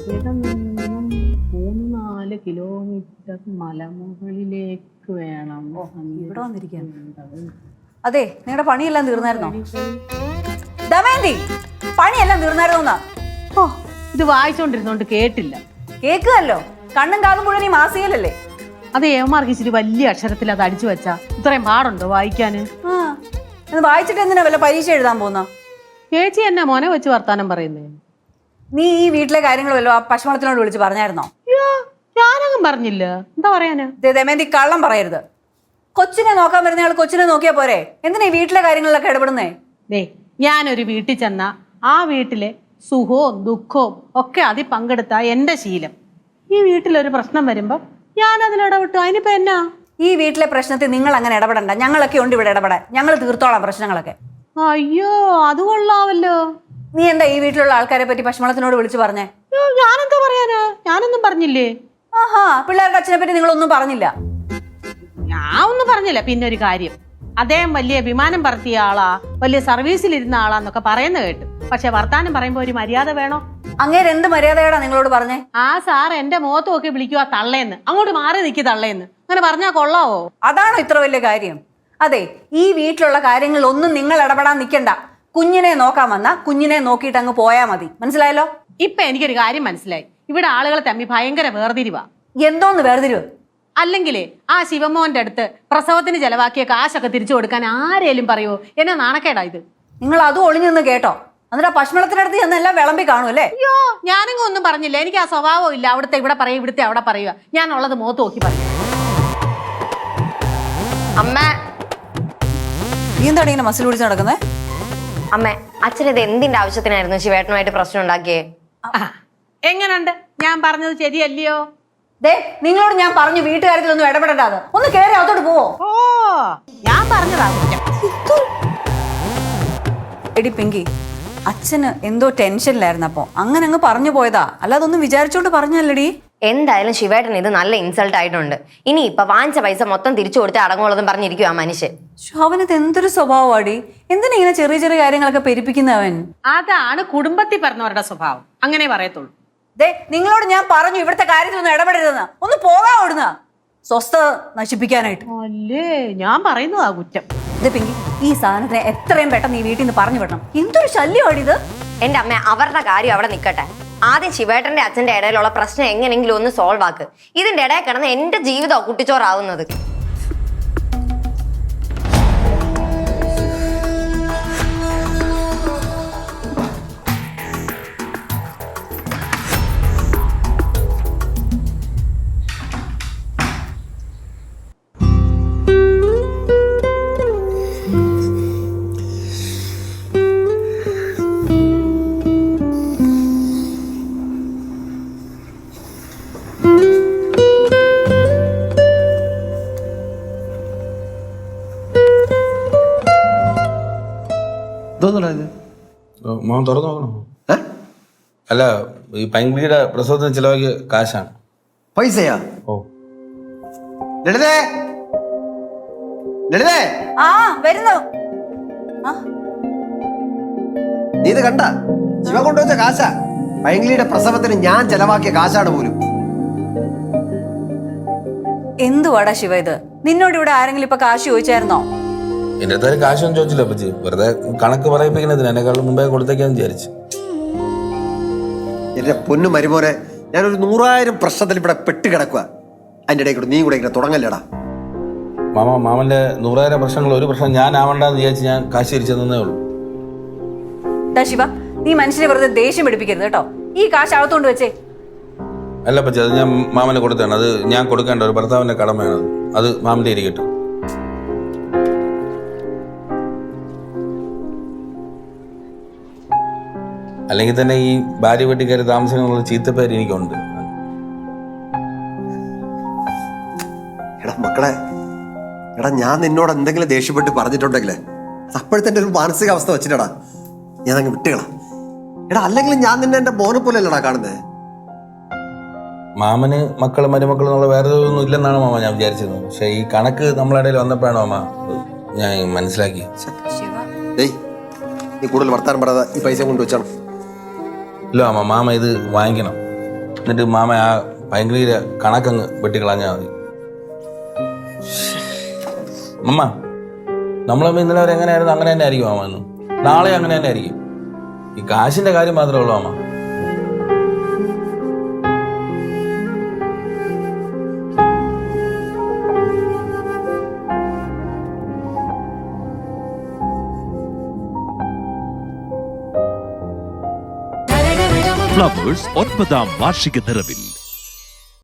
ഇവിടെ നിന്നും 3-4 കിലോമീറ്റർ മലമുകളിലേക്ക് വേണം. ഇവിടെ വന്നിരിക്കാൻ. അതെ, നിങ്ങളുടെ പണിയെല്ലാം തീർന്നായിരുന്നോ? ദമയന്തി, പണിയെല്ലാം തീർന്നായിരുന്നോന്നാ? ഓ, ഇത് വായിച്ചോണ്ടിരുന്നോണ്ട് കേട്ടില്ല. കേൾക്കുകയല്ലോ, കണ്ണും കാതും മുഴുവൻ ഈ മാസികയിലല്ലേ. അത് ഏമാർക്ക് ഇച്ചിരി വലിയ അക്ഷരത്തിൽ അത് അടിച്ചു വെച്ചാ ഇത്രയും പാടുണ്ടോ വായിക്കാന്? വായിച്ചിട്ട് എന്തിനാ വല്ല പരീക്ഷ എഴുതാൻ പോകുന്ന? ചേച്ചി എന്നാ മോനെ വെച്ച് വർത്താനം പറയുന്നേ? നീ ഈ വീട്ടിലെ കാര്യങ്ങൾ വല്ലോ ആ പശുമളത്തിനോട് വിളിച്ച് പറഞ്ഞായിരുന്നോ? ഞാനങ്ങും പറഞ്ഞില്ല. എന്താ പറയാനാ? ദമയന്തി, കള്ളം പറയരുത്. കൊച്ചിനെ നോക്കാൻ വരുന്നയാൾ കൊച്ചിനെ നോക്കിയാ പോരെ, എന്തിനാ ഈ വീട്ടിലെ കാര്യങ്ങളിലൊക്കെ ഇടപെടുന്നേ? ഞാനൊരു വീട്ടിൽ ചെന്ന ആ വീട്ടിലെ സുഖവും ദുഃഖവും ഒക്കെ അതിൽ പങ്കെടുത്ത എന്റെ ശീലം. ഈ വീട്ടിലൊരു പ്രശ്നം വരുമ്പോ ഞാൻ അതിലിടപെട്ടു. അതിനിപ്പോ എന്നാ? ഈ വീട്ടിലെ പ്രശ്നത്തിൽ നിങ്ങൾ അങ്ങനെ ഇടപെടണ്ട. ഞങ്ങളൊക്കെ ഉണ്ട് ഇവിടെ ഇടപെടാൻ. ഞങ്ങൾ തീർത്തോളാം പ്രശ്നങ്ങളൊക്കെ. അയ്യോ, അത് കൊള്ളാവല്ലോ. നീ എന്താ ഈ വീട്ടിലുള്ള ആൾക്കാരെ പറ്റി പശുമളത്തിനോട് വിളിച്ചു പറഞ്ഞേ? ഞാനെന്താ പറയാനാ? ഞാനൊന്നും പറഞ്ഞില്ലേ. ആഹാ, പിള്ളേരുടെ അച്ഛനെ പറ്റി നിങ്ങളൊന്നും പറഞ്ഞില്ല? ഞാൻ ഒന്നും പറഞ്ഞില്ല. പിന്നെ ഒരു കാര്യം, അദ്ദേഹം വലിയ വിമാനം പറത്തിയ ആളാ, വലിയ സർവീസിലിരുന്ന ആളാന്നൊക്കെ പറയുന്ന കേട്ടു. പക്ഷെ വർത്താനം പറയുമ്പോ ഒരു മര്യാദ വേണോ? അങ്ങേര് എന്ത് മര്യാദയാടാ നിങ്ങളോട് പറഞ്ഞേ? ആ സാർ എന്റെ മുഖത്ത് നോക്കി വിളിക്കുക തള്ളേന്ന്. അങ്ങോട്ട് മാറി നിൽക്കി തള്ളേന്ന്. അങ്ങനെ പറഞ്ഞാ കൊള്ളാവോ? അതാണോ ഇത്ര വലിയ കാര്യം? അതെ, ഈ വീട്ടിലുള്ള കാര്യങ്ങളിൽ ഒന്നും നിങ്ങൾ ഇടപെടാൻ നിൽക്കണ്ട. കുഞ്ഞിനെ നോക്കാൻ വന്ന കുഞ്ഞിനെ നോക്കിയിട്ട് അങ്ങ് പോയാ മതി. മനസ്സിലായല്ലോ? ഇപ്പൊ എനിക്കൊരു കാര്യം മനസ്സിലായി. ഇവിടെ ആളുകളെ തമ്മി ഭയങ്കര വേർതിരിവാ. എന്തോന്ന് വേർതിരിവ്? അല്ലെങ്കിലേ ആ ശിവമോന്റെ അടുത്ത് പ്രസവത്തിന് ചെലവാക്കിയ കാശൊക്കെ തിരിച്ചു കൊടുക്കാൻ ആരേലും പറയുമോ? എന്നാ നാണക്കേടാ ഇത്. നിങ്ങൾ അതും ഒളിഞ്ഞു നിന്ന് കേട്ടോ? എന്നിട്ട് പശുമളത്തിനടുത്ത് ചെന്നെല്ലാം വിളമ്പി കാണും അല്ലേ? അയ്യോ, ഞാനെങ്ങും ഒന്നും പറഞ്ഞില്ല. എനിക്ക് ആ സ്വഭാവം ഇല്ല. അവിടുത്തെ ഇവിടെ പറയുക, ഇവിടുത്തെ അവിടെ പറയുക. ഞാൻ ഉള്ളത് മുഖത്ത് നോക്കി പറയും. അമ്മ, നീ എന്താണ് ഇങ്ങനെ മസിൽ പിടിച്ച് നടക്കുന്നത്? അമ്മ, അച്ഛനത് എന്തിന്റെ ആവശ്യത്തിനായിരുന്നു ശിവേട്ടനുമായിട്ട് പ്രശ്നം ഉണ്ടാക്കിയേ? എങ്ങനുണ്ട്? ഞാൻ പറഞ്ഞത് ശരിയല്ലയോ? ദേ, നിങ്ങളോട് ഞാൻ പറഞ്ഞു വീട്ടുകാര്യത്തിലൊന്നും ഇടപെടണ്ടാത്. ഒന്ന് കേറി അകത്തോട്ട് പോവോ? ഓ, ഞാൻ പറഞ്ഞതാ കുറ്റം. എടി പിങ്കി, അച്ഛന് എന്തോ ടെൻഷനിലായിരുന്നു. അപ്പൊ അങ്ങനെ അങ്ങ് പറഞ്ഞു പോയതാ, അല്ലാതെ ഒന്നും വിചാരിച്ചോണ്ട് പറഞ്ഞല്ലടി. എന്തായാലും ശിവേട്ടൻ ഇത് നല്ല ഇൻസൾട്ട് ആയിട്ടുണ്ട്. ഇനി ഇപ്പൊ വാങ്ങിച്ച പൈസ മൊത്തം തിരിച്ചു കൊടുത്ത് അടങ്ങുള്ളതും പറഞ്ഞിരിക്കും ആ മനുഷ്യൻ. അവനത് എന്തൊരു സ്വഭാവമാടി. എന്തിനാ ഇങ്ങനെ ചെറിയ ചെറിയ കാര്യങ്ങളൊക്കെ പെരുപ്പിക്കുന്നവൻ? അതാണ് കുടുംബത്തിൽ പറഞ്ഞവരുടെ സ്വഭാവം. അങ്ങനെ പറയത്തുള്ളൂ. ദേ, നിങ്ങളോട് ഞാൻ പറഞ്ഞു ഇവിടുത്തെ കാര്യത്തിലൊന്നും ഇടപെടരുതെന്ന്. ഒന്ന് പോകാൻ ഓടുന്ന സ്വസ്ഥത നശിപ്പിക്കാനായിട്ട്. അല്ലേ, ഞാൻ പറയുന്നതാ കുറ്റം. ഇത് പിങ്കി, ഈ സാധനത്തിനെ എത്രയും പെട്ടെന്ന് ഈ വീട്ടിൽ നിന്ന് പറഞ്ഞു വിടണം. എന്തൊരു ശല്യമാണ് ഇത്. എന്റെ അമ്മ, അവരുടെ കാര്യം അവിടെ നിൽക്കട്ടെ. ആദ്യം ശിവേട്ടന്റെ അച്ഛന്റെ ഇടയിലുള്ള പ്രശ്നം എങ്ങനെയെങ്കിലും ഒന്ന് സോൾവ് ആക്ക്. ഇതിന്റെ ഇടയിൽ കിടന്ന് എന്റെ ജീവിതം കുട്ടിച്ചോറാവുന്നത്. മോൻ തുറന്നു നോക്കണോ? അല്ല, ഈ പൈങ്കിളിയുടെ പ്രസവത്തിന് ചിലവാക്കിയ കാശാണ്. പൈസയാ? ഓ, ലളിതേ, ലളിതേ, ആ വരുന്നു. നീ ഇത് കണ്ട? ശിവ കൊണ്ടുവച്ച കാശാ. പൈങ്കിളിയുടെ പ്രസവത്തിന് ഞാൻ ചെലവാക്കിയ കാശാണ് പോലും. എന്തുവാടാ ശിവ ഇത്? നിന്നോട് ഇവിടെ ആരെങ്കിലും ഇപ്പൊ കാശ് ചോദിച്ചായിരുന്നോ? എന്റെ അടുത്ത് കാശൊന്നും ചോദിച്ചില്ല പറ്റി. വെറുതെ കണക്ക് പറയിപ്പിക്കുന്നതിന് എന്നെക്കാളും മുമ്പേ കൊടുത്തേക്കാന്ന് വിചാരിച്ചു. എന്റെ പൊന്നു മരുമോനെ, ഞാനൊരു 100,000 പ്രശ്നത്തിൽ ഇവിടെ പെട്ട് കിടക്കുക. അതിന്റെ ഇടയിൽ കൂടെ നീ കൂടെ ഇങ്ങനെ തുടങ്ങല്ലടാ. മാമന്റെ 100,000 പ്രശ്നങ്ങൾ ഒരു പ്രശ്നം ഞാൻ ആവണ്ടെന്ന് വിചാരിച്ച് ഞാൻ കാശ് തിരിച്ചു തന്നേ ഉള്ളൂ. ശിവ, നീ മനുഷ്യനെ വെറുതെ ദേഷ്യം പിടിപ്പിക്കരുത് കേട്ടോ. ഈ കാശ് അകത്തോണ്ട് വെച്ചേ. അല്ല പറ്റി, അത് ഞാൻ മാമന് കൊടുത്താണ്. അത് ഞാൻ കൊടുക്കേണ്ട ഒരു ഭർത്താവിന്റെ കടമയാണ്. അത് മാമന്റെ ഇരിക്കട്ടെ. അല്ലെങ്കിൽ തന്നെ ഈ ഭാര്യ വീട്ടിൽ കയറി താമസിക്കുന്ന ചീത്തപ്പേര് എനിക്കുണ്ട്. എടാ മക്കളെ, എടാ ഞാൻ നിന്നോട് എന്തെങ്കിലും ദേഷ്യപ്പെട്ട് പറഞ്ഞിട്ടുണ്ടെങ്കിലേ അത് അപ്പോഴത്തെ ഒരു മാനസികാവസ്ഥ വെച്ചിട്ടാ ഞാൻ അങ്ങ് വിട്ടുകളാ. എടാ അല്ലെങ്കിൽ ഞാൻ നിന്നെ എന്റെ മോനെ പോലെ അല്ലടാ കാണുന്നേ. മാമന് മക്കളും മരുമക്കളും എന്നുള്ള വേറെ ഒന്നും ഇല്ലെന്നാണ് മാമ ഞാൻ വിചാരിച്ചിരുന്നത്. പക്ഷെ ഈ കണക്ക് നമ്മളെ ഇടയിൽ വന്നപ്പോഴാണ് മാമ ഞാൻ മനസ്സിലാക്കി. നീ കൂടുതൽ വർത്താനം പറയാതെ ഈ പൈസ കൊണ്ടുവച്ചാണ്. ഇല്ല മാമ, മാമ ഇത് വാങ്ങിക്കണം. എന്നിട്ട് മാമ ആ ഭയങ്കര കണക്കങ്ങ് വെട്ടിക്കളഞ്ഞാൽ മതി. അമ്മ നമ്മളമ്മ ഇന്നലെ വരെ എങ്ങനെയായിരുന്നു അങ്ങനെ തന്നെ ആയിരിക്കും മാമ എന്നും. നാളെ അങ്ങനെ തന്നെ ആയിരിക്കും. ഈ കാശിന്റെ കാര്യം മാത്രമേ ഉള്ളൂ മാമ. ഫ്ലവേഴ്സ് 9ാം വാർഷിക നിറവിൽ